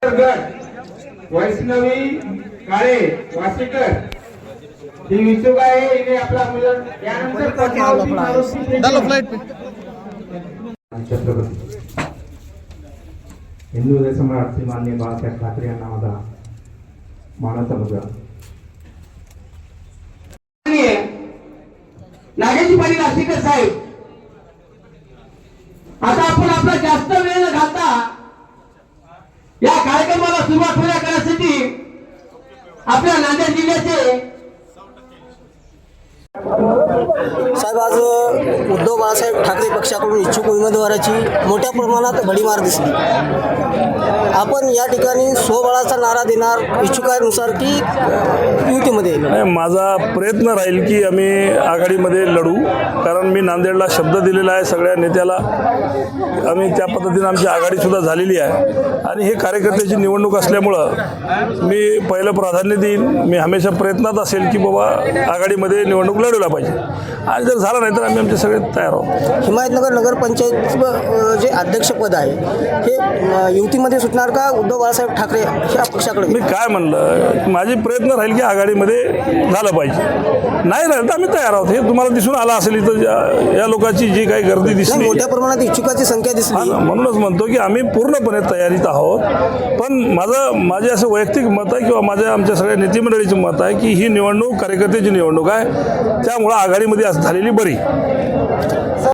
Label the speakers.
Speaker 1: गट वैष्णवी काळे वासेकर ही इच्छुक आहे. इथे आपला मुलं यानंतर पद्मावती मारुती छत्रपती हिंदू हृदय सम्राट श्री माननीय बाळासाहेब ठाकरे यांना माझा मानाचा मुलगा
Speaker 2: नागेशजी पाटील आष्टीकर साहेब. आता आपण आपला जास्त वेळ न घालता या कार्यक्रमाला सुरुवात पूर्ण करण्यासाठी आपल्या नांदेड जिल्ह्याचे
Speaker 3: साहेब, आज उद्धव बाळासाहेब ठाकरे पक्षाकडून इच्छुक उमेदवाराची मोठ्या प्रमाणात भडीमार दिसली. आपण या ठिकाणी स्वबळाचा नारा देणार इच्छुकानुसार की युतीमध्ये?
Speaker 4: माझा प्रयत्न राहील की आम्ही आघाडीमध्ये लढू, कारण मी नांदेडला शब्द दिलेला आहे सगळ्या नेत्याला. आम्ही त्या पद्धतीने आमची आघाडीसुद्धा झालेली आहे आणि हे कार्यकर्त्याची निवडणूक असल्यामुळं मी पहिलं प्राधान्य देईन. मी हमेशा प्रयत्नात असेल की बाबा आघाडीमध्ये निवडणूक लढवला पाहिजे आणि जर झालं नाही तर आम्ही आमचे सगळे तयार आहोत.
Speaker 3: हिमायतनगर नगरपंचायत जे अध्यक्षपद आहे हे युतीमध्ये सुटणार का उद्धव बाळासाहेब ठाकरे या पक्षाकडे?
Speaker 4: मी काय म्हणलं, माझे प्रयत्न राहील की आघाडीमध्ये झालं पाहिजे. नाही राहिलं तर आम्ही तयार आहोत. हे तुम्हाला दिसून आलं असेल इथं या लोकांची जी काही गर्दी दिसली,
Speaker 3: मोठ्या प्रमाणात इच्छुकाची संख्या दिसली.
Speaker 4: म्हणूनच म्हणतो की आम्ही पूर्णपणे तयारीत आहोत. पण माझे असं वैयक्तिक मत आहे किंवा आमच्या सगळ्या नेतेमंडळीचं मत आहे की ही निवडणूक कार्यकर्त्याची निवडणूक आहे, त्यामुळं आघाडीमध्ये झालेली बरी.